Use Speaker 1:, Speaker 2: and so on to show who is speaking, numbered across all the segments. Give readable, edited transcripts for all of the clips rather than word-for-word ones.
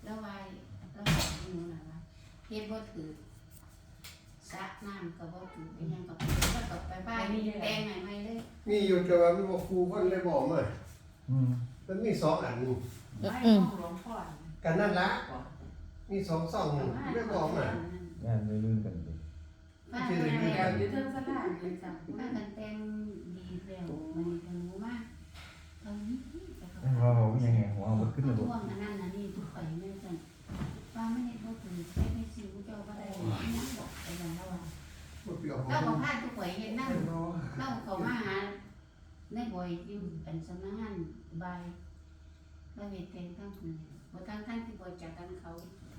Speaker 1: แล้ววายแล้วหนูน่ะว่าเฮ็ดบ่ถือสระน้ำก็บ่ถือเป็นหยังก็ไปบ้านแต่งใหม่ๆเลย
Speaker 2: มีอยู่แต่ว่ามันบ่ฟูคนเลยบอกมามันมี2อัน
Speaker 3: ไม่หลวงพ่อ
Speaker 2: กันนั่นละมี2ซ่องเลยบอกมา
Speaker 4: งานไม่ลื่นกันดิ
Speaker 1: บ้าน
Speaker 3: เดี๋ยวอยู่เทิงสลาเลยจ้ะ
Speaker 1: บ้านกันแต่งดีแล้วมันก็รู้ว่าตอนนี้แต่ก็
Speaker 4: เรายังไงหัวมันขึ้นเลย
Speaker 1: ช่วงนั้นน่ะนี่ทุกข่อยแม่นซั่นว่าไม่ได้บ่ถือใช้ไม่สิวเจ้าบ่ได้นั่งบอกไปอย่างแล้วว่า
Speaker 2: บ่เปรี้ยว
Speaker 1: เราก็พาทุกข่อยเฮ็ดนั่งเราเข้ามาหาในบ่อยอยู่เป็นสำนักงานบายเราเฮ็ดแต่งทั้งคนบ่ทั้งที่บ่จักกันเขา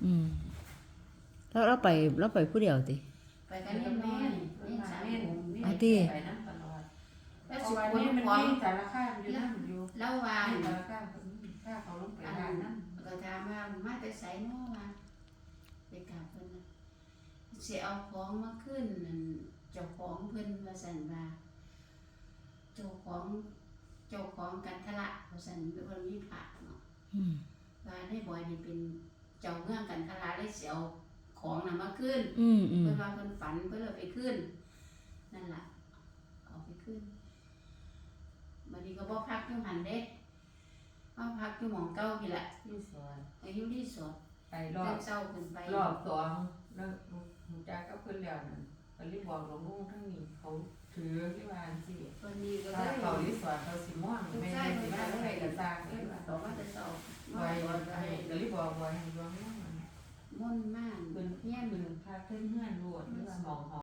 Speaker 5: แล้วเราไปผู้เดียวติ
Speaker 1: ไปกันเล่นแม่เล่นสามวง
Speaker 3: ไปนั่งตลอด
Speaker 1: แล้ว
Speaker 3: เพ
Speaker 1: สิ
Speaker 3: ราะว่า
Speaker 1: คน
Speaker 3: นี่มัน
Speaker 1: ของ
Speaker 3: มีสารคามอยู่นั่นอยู่
Speaker 1: แล้วว่า
Speaker 3: สารคามถ้าเขาลงไป
Speaker 1: อัน
Speaker 3: บ้า
Speaker 1: นั้น น
Speaker 3: นั่น
Speaker 1: ก็ถามว่ามาแต่ไสเนาะว่าไปกราบเพิ่นน่ะสิเอาของมาขึ้นนั่นเจ้าของเพิ่นว่าซั่นว่าเจ้าของกันทละว่าซั่นเพิ่นมีพระเนาะว่าในบ่อยนี่เป็นเจ้าเมืองกันทละเลยสิเอาของน่ะมาขึ้น เพิ่นว่าเพิ่นฝันเพิ่นเลยไปขึ้นนั่นล่ะเอาไปขึ้นบัดนี้ก็บ่พักอยู่หันเด้มาพักอยู่หม้องเก่านี่แหละ
Speaker 3: ที่สวน
Speaker 1: อายุรีสอร์ท
Speaker 3: ไปร
Speaker 1: เดิ
Speaker 3: อบ
Speaker 1: นเช้าขึ้นไป
Speaker 3: รอบสองแล้วหนูจ้าก็ขึ้นแล้วนั่นก็รีบบอกหลวงลุงทั้งนี้เขาถือที่บ้านสิ
Speaker 1: วันนี้ก็
Speaker 3: ถ้า
Speaker 1: ได้
Speaker 3: เขารีสอร์ทเขาสิม่วงไม่ได้สิมาอะไรกับตาเอ้ย
Speaker 1: ต่อมาแต่เช้า
Speaker 3: ไว้ก็รีบบอกไว้ให้หลวงลุง
Speaker 1: ม่วนมาก
Speaker 3: เป็น
Speaker 1: เฮียน
Speaker 3: เป็นพาขึ้นเฮือนรวดหรือว่าหมองหอ